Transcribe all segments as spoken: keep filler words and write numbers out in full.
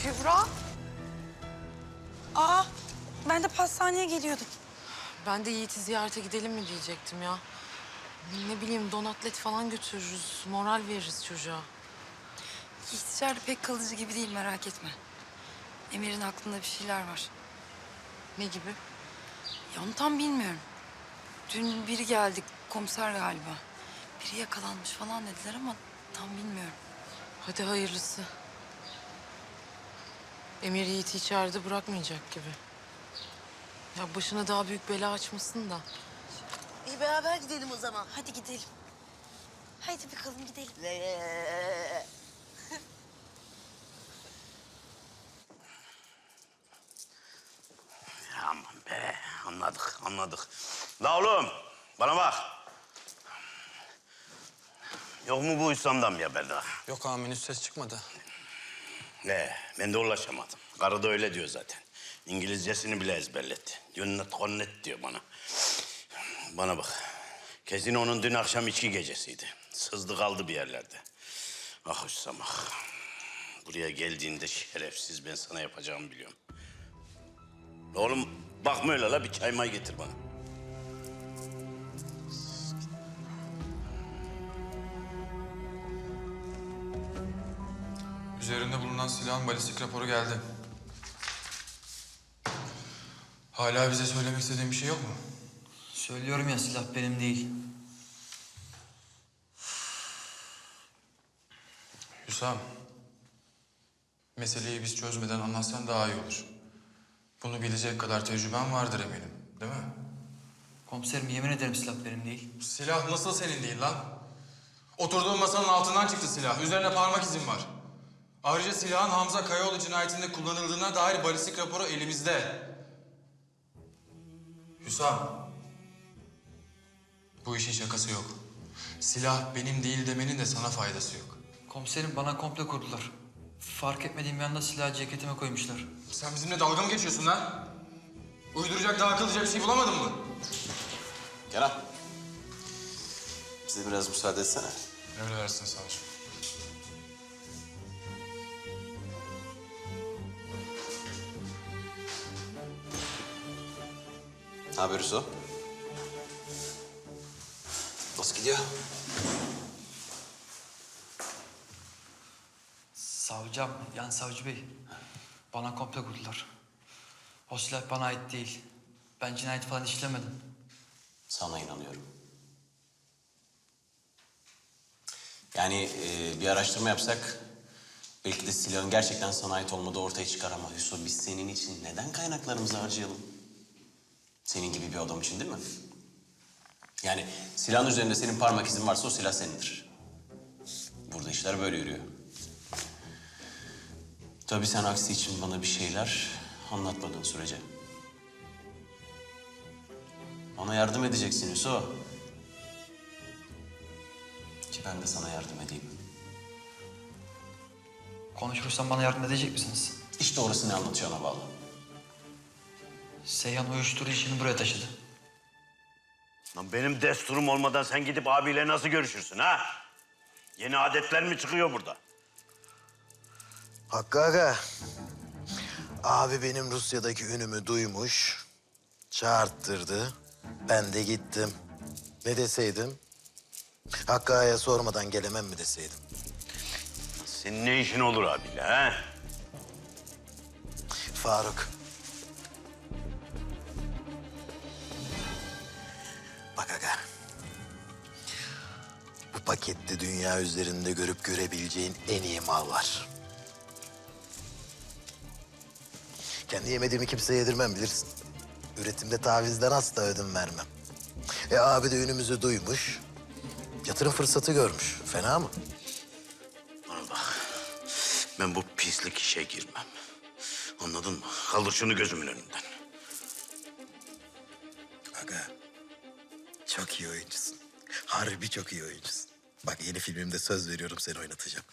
Kübra. Aa, ben de pastaneye geliyordum. Ben de Yiğit'i ziyarete gidelim mi diyecektim ya. Ne bileyim donatlet falan götürürüz. Moral veririz çocuğa. Yiğit içeride pek kalıcı gibi değil, merak etme. Emir'in aklında bir şeyler var. Ne gibi? Ya onu tam bilmiyorum. Dün biri geldi, komiser galiba. Biri yakalanmış falan dediler ama tam bilmiyorum. Hadi hayırlısı. Emir Yiğit'i içeride bırakmayacak gibi. Ya başına daha büyük bela açmasın da. İyi beraber gidelim o zaman. Hadi gidelim. Haydi bakalım gidelim. Aman be, anladık, anladık. La oğlum, bana bak. Yok mu bu İslam'dan bir haber daha? Yok ağam, henüz ses çıkmadı. Ne, ben de ulaşamadım. Karı da öyle diyor zaten. İngilizcesini bile ezberletti. Yunnet konnet diyor bana. Bana bak, kesin onun dün akşam içki gecesiydi. Sızdı kaldı bir yerlerde. Ah Hüsam ah. Buraya geldiğinde şerefsiz, ben sana yapacağımı biliyorum. Oğlum bakma öyle la, bir çay may getir bana. Üzerinde bulunan silahın balistik raporu geldi. Hala bize söylemek istediğin bir şey yok mu? Söylüyorum ya, silah benim değil. Hüsam, meseleyi biz çözmeden anlatsan daha iyi olur. Bunu bilecek kadar tecrüben vardır eminim, değil mi? Komiserim, yemin ederim silah benim değil. Silah nasıl senin değil lan? Oturduğun masanın altından çıktı silah. Üzerine parmak izin var. Ayrıca silahın Hamza Kayaoğlu cinayetinde kullanıldığına dair balistik raporu elimizde. Hüsam, bu işin şakası yok. Silah benim değil demenin de sana faydası yok. Komiserim, bana komplo kurdular. Fark etmediğim bir anda silahı ceketime koymuşlar. Sen bizimle dalga mı geçiyorsun lan? Uyduracak, daha akıllıca bir şey bulamadın mı? Kenan. Bize biraz müsaade etsene. Emredersin savcım. Ne haber Hüso? Nasıl gidiyor? Savcım, yani savcı bey. Bana komplo kurdular. O silah bana ait değil. Ben cinayet falan işlemedim. Sana inanıyorum. Yani e, bir araştırma yapsak belki de silahın gerçekten sana ait olmadığı ortaya çıkar ama Hüso, biz senin için neden kaynaklarımızı harcayalım? Senin gibi bir adam için değil mi? Yani silahın üzerinde senin parmak izin varsa o silah senindir. Burada işler böyle yürüyor. Tabii sen aksi için bana bir şeyler anlatmadığın sürece. Bana yardım edeceksin Hüso. Ki ben de sana yardım edeyim. Konuşursam bana yardım edecek misiniz? İşte orası ne anlatacağına bağlı. Seyhan uyuşturucu işini buraya taşıdı. Lan benim desturum olmadan sen gidip abiyle nasıl görüşürsün ha? Yeni adetler mi çıkıyor burada? Hakkı aga, abi benim Rusya'daki ünümü duymuş, çağırttırdı. Ben de gittim. Ne deseydim? Hakkı aga'ya sormadan gelemem mi deseydim? Senin ne işin olur abiyle ha? Faruk. Bak aga. Bu pakette dünya üzerinde görüp görebileceğin en iyi mal var. Kendi yemediğimi kimseye yedirmem, bilirsin. Üretimde tavizden asla ödün vermem. E abi de ünümüzü duymuş. Yatırım fırsatı görmüş. Fena mı? Bana bak. Ben bu pislik işe girmem. Anladın mı? Kaldır şunu gözümün önünden. Aga, çok iyi oyuncusun. Harbi çok iyi oyuncusun. Bak yeni filmimde söz veriyorum, seni oynatacağım.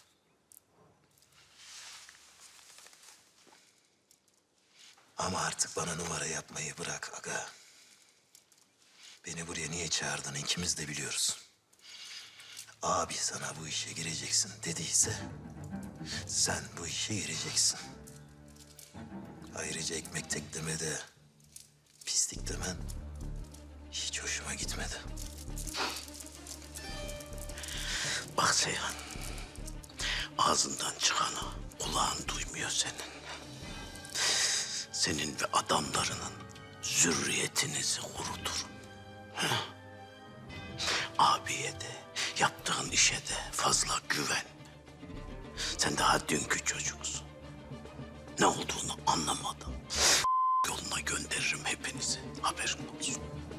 Ama artık bana numara yapmayı bırak aga. Beni buraya niye çağırdığını ikimiz de biliyoruz. Abi sana bu işe gireceksin dediyse sen bu işe gireceksin. Ayrıca ekmek teklemede pislik demen hiç hoşuma gitmedi. Bak Seyhan, ağzından çıkanı kulağın duymuyor senin. Senin ve adamlarının zürriyetinizi kuruturum. Heh. Abiye de, yaptığın işe de fazla güven. Sen daha dünkü çocuksun. Ne olduğunu anlamadan yoluna gönderirim hepinizi. Haberin olsun.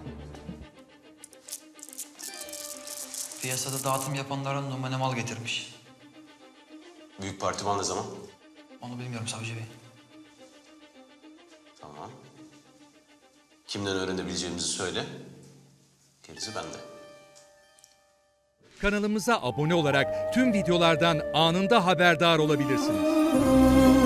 Piyasada dağıtım yapanlara numune mal getirmiş. Büyük partiman ne zaman? Onu bilmiyorum savcı bey. Tamam. Kimden öğrenebileceğimizi söyle. Gerisi bende. Kanalımıza abone olarak tüm videolardan anında haberdar olabilirsiniz.